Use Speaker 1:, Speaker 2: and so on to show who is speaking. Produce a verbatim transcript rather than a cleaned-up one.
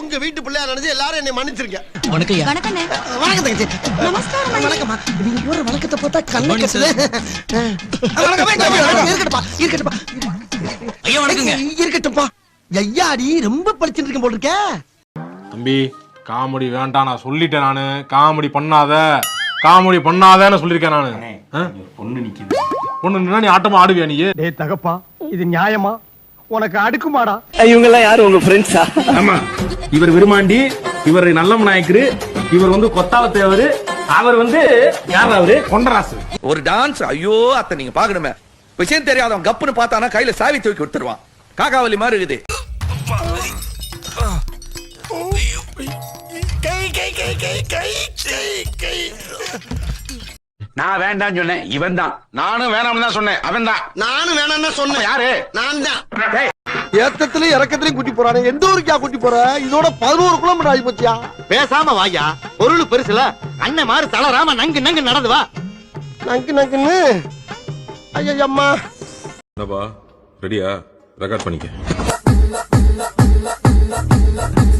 Speaker 1: உங்க வீட்டு பிள்ளையா நினைச்சு எல்லாரும் என்னை மன்னிச்சிருங்க.
Speaker 2: வணக்கம்
Speaker 3: வணக்கம்
Speaker 1: வணக்கம் தங்கச்சி.
Speaker 3: நமஸ்காரம்
Speaker 1: வணக்கம்மா. நீங்க போற வணக்கத்தை பார்த்தா கண்ணு கட்டுது. வணக்கம் இருக்கட்டும்பா இருக்கட்டும்பா
Speaker 2: ஐயா வணக்கங்க.
Speaker 1: இருக்கட்டும்பா. ஐயாடி ரொம்ப படிச்சுட்டு இருக்கேன் போல இருக்க.
Speaker 4: தம்பி காமெடி வேண்டாம், நான் சொல்லிட்டேன். நானு காமெடி பண்ணாத காமெடி பண்ணாதேன்னு சொல்லியிருக்கேன் நானு.
Speaker 5: பொண்ணு நிக்குது.
Speaker 4: பொண்ணு நீ ஆட்டமா ஆடுவியா நீ?
Speaker 6: டேய் தகப்பா, இது நியாயமா? உனக்கு அடுக்குமாடா?
Speaker 7: இவங்க எல்லாம் யாரு உங்க ஃப்ரெண்ட்ஸா?
Speaker 5: ஆமா, இவர் விருமாண்டி, இவர் நல்ல நாயக்கரு, இவர் வந்து கொத்தாவ தேவரு, அவர் வந்து யார் அவரு கொண்டராசு.
Speaker 8: ஒரு டான்ஸ். ஐயோ அத்தை நீங்க பாக்கணுமே. விஷயம் தெரியாதவன் கப்புன்னு பார்த்தானா கையில சாவி தூக்கி கொடுத்துருவான். காக்காவலி மாதிரி இருக்குது.
Speaker 5: நான் வேண்டாம்னு சொன்னேன், இவன் தான். நானும் வேணாம்னு தான் சொன்னேன், அவன் தான்.
Speaker 1: நானும் வேணாம்னு சொன்னேன்.
Speaker 5: யாரு?
Speaker 1: நான் தான்.
Speaker 5: டேய்,
Speaker 1: ஏத்தத்திலயும் இறக்கத்திலயும் கூட்டி போறானே. எந்த ஊருக்கா கூட்டி போற? இதோட பதினோரு கிலோமீட்டர் ஆகி போச்சியா?
Speaker 7: பேசாம வாயா, பொருள் பெருசுல அண்ணன் மாதிரி தளராம நங்கு நங்கு நடந்து வா.
Speaker 1: நங்கு நங்குன்னு. ஐயம்மா.
Speaker 9: என்னப்பா ரெடியா? ரெக்கார்ட் பண்ணிக்க.